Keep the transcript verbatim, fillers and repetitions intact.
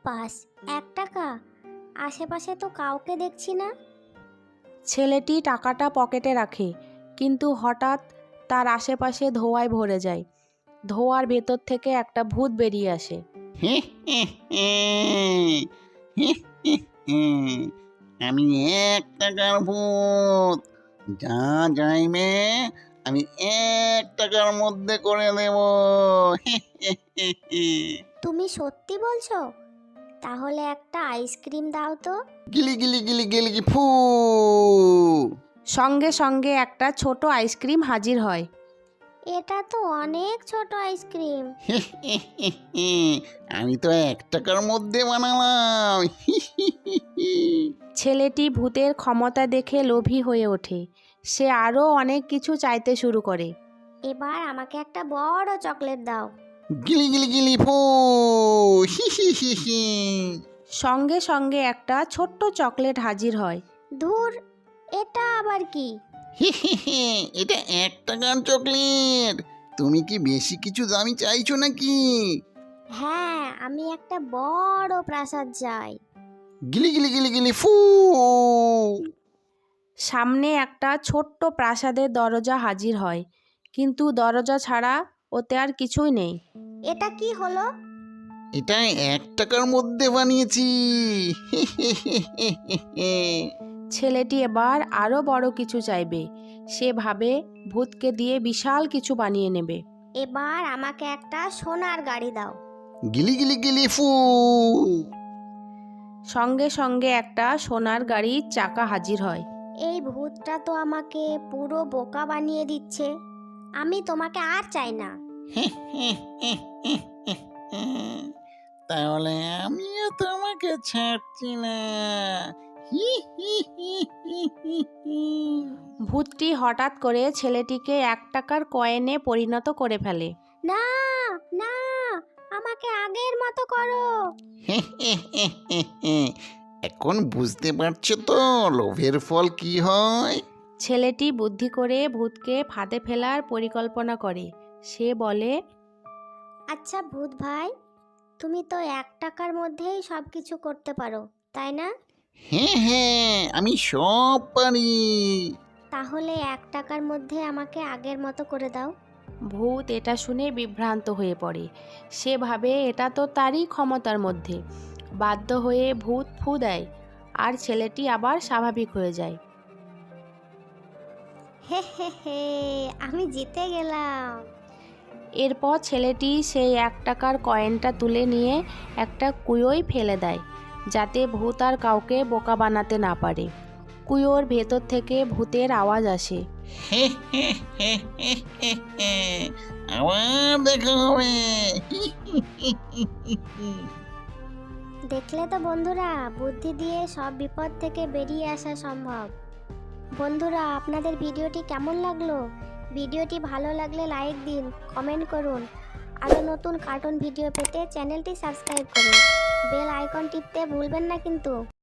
Pass এক টাকা? আশেপাশে তো কাউকে দেখছি না। ছেলেটি টাকাটা পকেটে রাখে, কিন্তু হঠাৎ তার আশেপাশে ধোঁয়ায় ভরে যায়। ধোঁয়ার ভেতর থেকে একটা ভূত বেরিয়ে আসে। আমি এক টাকার ভূত, যা যাইবে আমি এক টাকার মধ্যে করে দেব। তুমি সত্যি বলছো? তাহলে একটা আইসক্রিম দাও তো। গিলি গিলি গিলি গিলি গি ফু। সঙ্গে সঙ্গে একটা ছোট আইসক্রিম হাজির হয়। এটা তো অনেক ছোট আইসক্রিম। আমি তো এক টাকার মধ্যে বানালাম। ছেলেটি ভূতের ক্ষমতা দেখে লোভী হয়ে ওঠে। সে আরও অনেক কিছু চাইতে শুরু করে। এবার আমাকে একটা বড় চকলেট দাও। গিলি গিলি গিলি ফু। সঙ্গে সঙ্গে একটা ছোট্ট চকলেট হাজির হয়। ধুর, এটা আবার কি? এটা এক টাকার চকলেট। তুমি কি বেশি কিছু দামি চাইছো নাকি? হ্যাঁ, আমি একটা বড় প্রাসাদ চাই। গিলি গিলি গিলি গিলি ফু। সামনে একটা ছোট্ট প্রাসাদের দরজা হাজির হয়, কিন্তু দরজা ছাড়া ওতে আর কিছুই নেই। এটা কি হলো? এটা এক টাকার মধ্যে বানিয়েছি। ছেলেটি এবার আরও বড় কিছু চাইবে। সে ভাবে ভূতকে দিয়ে বিশাল কিছু বানিয়ে নেবে। এবার আমাকে একটা সোনার গাড়ি দাও। গিলি গিলি গিলি ফু। সঙ্গে সঙ্গে একটা সোনার গাড়ির চাকা হাজির হয়। এই ভূতটা তো আমাকে পুরো বোকা বানিয়ে দিচ্ছে। আমি তোমাকে আর চাই না। তাহলে আমিও তোমাকে ছাড়ছি না। ভূতটি হঠাৎ করে ছেলেটিকে এক টাকার কয়েনে পরিণত করে ফেলে। না না, আমাকে আগের মতো করো। এখন বুঝতে পারছো তো লোভের ফল কি হয়? ছেলেটি বুদ্ধি করে ভূতকে ফাঁদে ফেলার পরিকল্পনা করে। সে বলে, আচ্ছা ভূত ভাই, তুমি তো এক টাকার মধ্যেই সব কিছু করতে পারো, তাই না? হ্যাঁ হ্যাঁ, আমি সব পারি। তাহলে এক টাকার মধ্যে আমাকে আগের মতো করে দাও। ভূত এটা শুনে বিভ্রান্ত হয়ে পড়ে। সে ভাবে এটা তো তারই ক্ষমতার মধ্যে। বাধ্য হয়ে ভূত ফু দেয়, আর ছেলেটি আবার স্বাভাবিক হয়ে যায়। হে হে হে, আমি জিতে গেলাম। এরপর ছেলেটি সেই এক টাকার কয়েনটা তুলে নিয়ে একটা কুয়োয় ফেলে দেয়, যাতে ভূত আর কাউকে বোকা বানাতে না পারে। কুয়োর ভেতর থেকে ভূতের আওয়াজ আসে। আবার দেখা হবে। দেখলে তো বন্ধুরা, বুদ্ধি দিয়ে সব বিপদ থেকে বেরিয়ে আসা সম্ভব। বন্ধুরা, আপনাদের ভিডিওটি কেমন লাগলো? ভিডিওটি ভালো লাগলে লাইক দিন, কমেন্ট করুন। আরও নতুন কার্টুন ভিডিও পেতে চ্যানেলটি সাবস্ক্রাইব করুন। বেল আইকন টিপতে ভুলবেন না কিন্তু।